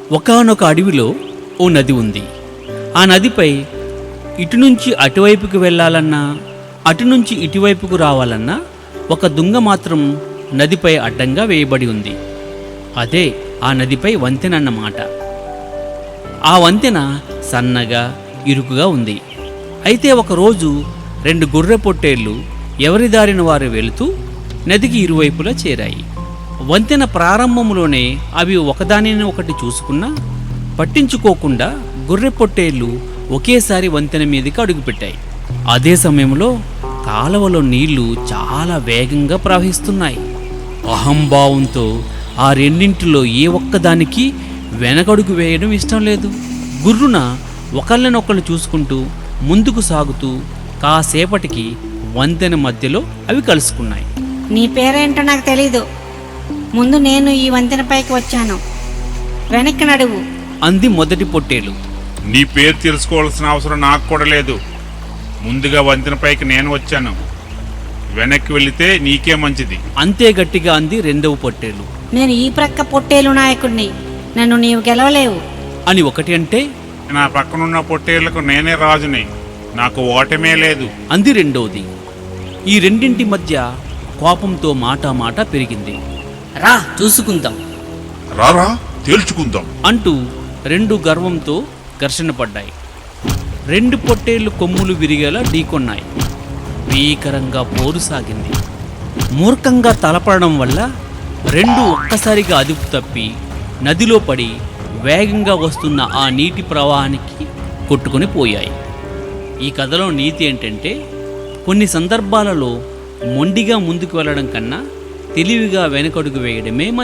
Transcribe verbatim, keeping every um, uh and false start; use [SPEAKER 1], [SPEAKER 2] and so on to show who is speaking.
[SPEAKER 1] ఒకానొక అడవిలో ఓ నది ఉంది. ఆ నదిపై ఇటు నుంచి అటువైపుకు వెళ్ళాలన్నా అటు నుంచి ఇటువైపుకు రావాలన్నా ఒక దుంగ మాత్రం నదిపై అడ్డంగా వేయబడి ఉంది. అదే ఆ నదిపై వంతెన అన్నమాట. ఆ వంతెన సన్నగా ఇరుకుగా ఉంది. అయితే ఒకరోజు రెండు గొర్రె పొట్టేళ్లు ఎవరి దారిన వారు వెళుతూ నదికి ఇరువైపులా చేరాయి. వంతెన ప్రారంభంలోనే అవి ఒకదానిని ఒకటి చూసుకున్నా పట్టించుకోకుండా గొర్రె పొట్టేళ్లు ఒకేసారి వంతెన మీదకి అడుగుపెట్టాయి. అదే సమయంలో కాలవలో నీళ్లు చాలా వేగంగా ప్రవహిస్తున్నాయి. అహంభావంతో ఆ రెండింటిలో ఏ ఒక్కదానికి వెనకడుగు వేయడం ఇష్టం లేదు. గుర్రున ఒకళ్ళనొకళ్ళు చూసుకుంటూ ముందుకు సాగుతూ కాసేపటికి వంతెన మధ్యలో అవి కలుసుకున్నాయి.
[SPEAKER 2] నీ పేరేంటో నాకు తెలీదు. ముందు నేను ఈ వంతెనపైకి వచ్చాను, వెనక్కి నడువు
[SPEAKER 1] అంది మొదటి పొట్టేలు.
[SPEAKER 3] నీ పేరు తెలుసుకోవాల్సిన అవసరం నాకు కూడా లేదు. ముందుగా వంతెనపైకి నేను వచ్చాను, వెనక్కి వెళితే నీకే మంచిది.
[SPEAKER 1] అంతే గట్టిగా అంది రెండవ పొట్టేలు.
[SPEAKER 2] నేను ఈ ప్రక్క పొట్టేలు నాయకుడిని, నన్ను నీవు గెలవలేవు
[SPEAKER 1] అని ఒకటి అంటే,
[SPEAKER 3] నా పక్కనున్న పొట్టేళ్లకు నేనే రాజుని, నాకు ఓటమే లేదు
[SPEAKER 1] అంది రెండవది. ఈ రెండింటి మధ్య కోపంతో మాట మాట పెరిగింది.
[SPEAKER 4] రా చూసుకుందాం,
[SPEAKER 3] రారా తేల్చుకుందాం
[SPEAKER 1] అంటూ రెండు గర్వంతో ఘర్షణ పడ్డాయి. రెండు పొట్టేళ్లు కొమ్ములు విరిగేలా ఢీకొన్నాయి. భీకరంగా పోరు సాగింది. మూర్ఖంగా తలపడడం వల్ల రెండు ఒక్కసారిగా అదుపు తప్పి నదిలో పడి వేగంగా వస్తున్న ఆ నీటి ప్రవాహానికి కొట్టుకొని పోయాయి. ఈ కథలో నీతి ఏంటంటే, కొన్ని సందర్భాలలో మొండిగా ముందుకు వెళ్ళడం కన్నా తెలివిగా వెనకడుగు వేయడమే